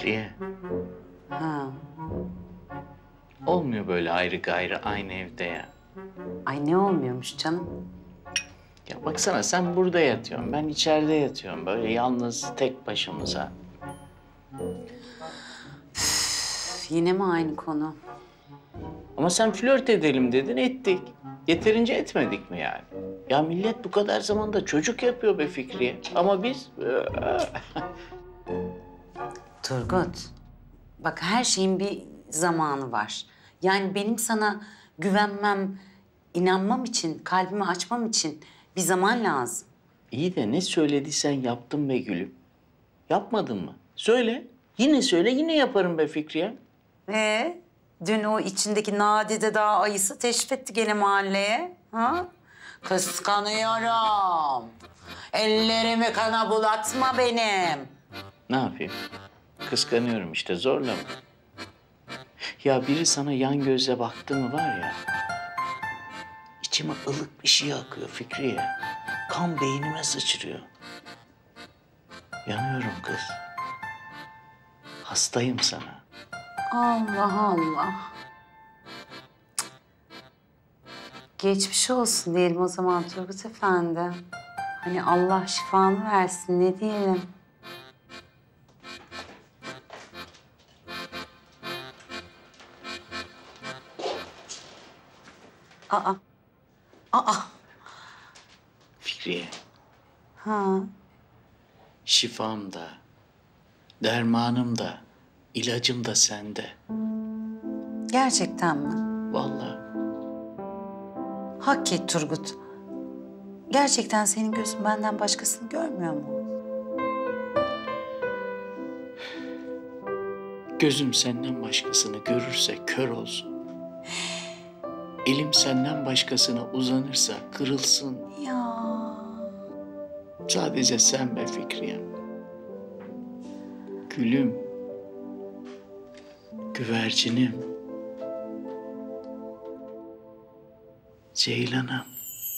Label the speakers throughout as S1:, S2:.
S1: Fikriye.
S2: Ha.
S1: Olmuyor böyle ayrı gayrı aynı evde ya.
S2: Ay ne olmuyormuş canım?
S1: Ya baksana sen burada yatıyorsun, ben içeride yatıyorum. Böyle yalnız tek başımıza.
S2: Üf, yine mi aynı konu?
S1: Ama sen flört edelim dedin, ettik. Yeterince etmedik mi yani? Ya millet bu kadar zamanda çocuk yapıyor be Fikriye. Ama biz...
S2: Turgut, bak her şeyin bir zamanı var. Yani benim sana güvenmem, inanmam için, kalbimi açmam için bir zaman lazım.
S1: İyi de ne söylediysen yaptım be gülüm. Yapmadın mı? Söyle. Yine söyle, yine yaparım be Fikriye.
S2: Dün o içindeki nadide dağ ayısı teşrif etti gene mahalleye. Ha? Kıskanıyorum. Ellerimi kana bulatma benim.
S1: Ne yapayım? Kıskanıyorum işte, zorla mı? Ya biri sana yan gözle baktı mı var ya... ...içime ılık bir şey akıyor Fikriye. Kan beynime sıçrıyor. Yanıyorum kız. Hastayım sana.
S2: Allah Allah. Cık. Geçmiş olsun diyelim o zaman Turgut Efendi. Hani Allah şifanı versin ne diyelim. Aa. Aa.
S1: Fikriye,
S2: Ha.
S1: şifam da, dermanım da, ilacım da sende.
S2: Gerçekten mi?
S1: Vallahi.
S2: Hak et Turgut. Gerçekten senin gözün benden başkasını görmüyor mu?
S1: Gözüm senden başkasını görürse kör olsun. Elim senden başkasına uzanırsa kırılsın.
S2: Ya.
S1: Sadece sen be Fikriye. Gülüm. Güvercinim. Ceylanım.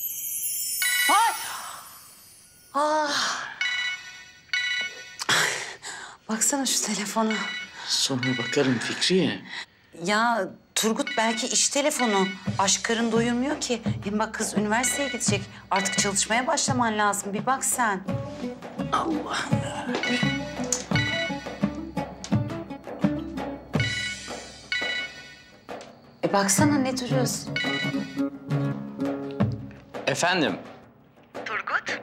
S2: Ah. Baksana şu telefona.
S1: Sonra bakarım Fikriye.
S2: Ya Turgut belki iş telefonu. Aşk karın doyurmuyor ki. Hem bak kız üniversiteye gidecek. Artık çalışmaya başlaman lazım. Bir bak sen.
S1: Allah'ım yarabbim.
S2: Baksana ne duruyorsun?
S1: Efendim?
S3: Turgut,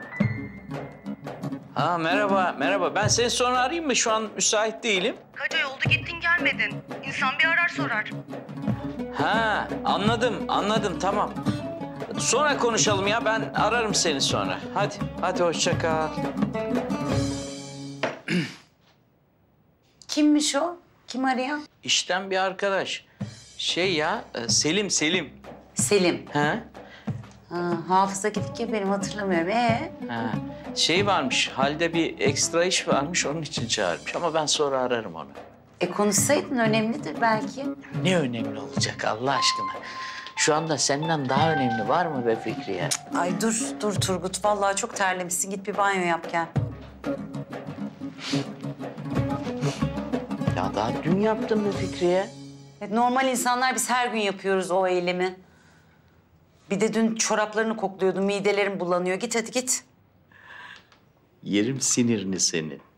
S1: Ha merhaba, merhaba. Ben seni sonra arayayım mı? Şu an müsait değilim.
S3: kaç ay oldu gittin gelmedin. İnsan bir arar sorar.
S1: Ha anladım, anladım. Tamam. Sonra konuşalım ya. Ben ararım seni sonra. Hadi, hadi hoşça kal.
S2: Kimmiş o? Kim arayan?
S1: İşten bir arkadaş. Şey ya, Selim, Selim.
S2: Selim.
S1: Ha?
S2: Ha, hafıza gidik ya benim hatırlamıyorum.
S1: Ha. Şey varmış, halde bir ekstra iş varmış. Onun için çağırmış. Ama ben sonra ararım onu.
S2: Konuşsaydın önemlidir belki.
S1: Ne önemli olacak Allah aşkına? Şu anda senden daha önemli var mı be Fikriye?
S2: Ay dur Turgut. Vallahi çok terlemişsin. Git bir banyo yap gel.
S1: Ya daha dün yaptım be Fikriye.
S2: Normal insanlar biz her gün yapıyoruz o eylemi. Bir de dün çoraplarını kokluyordum. Midelerim bulanıyor. Git hadi git.
S1: Yerim sinirini senin.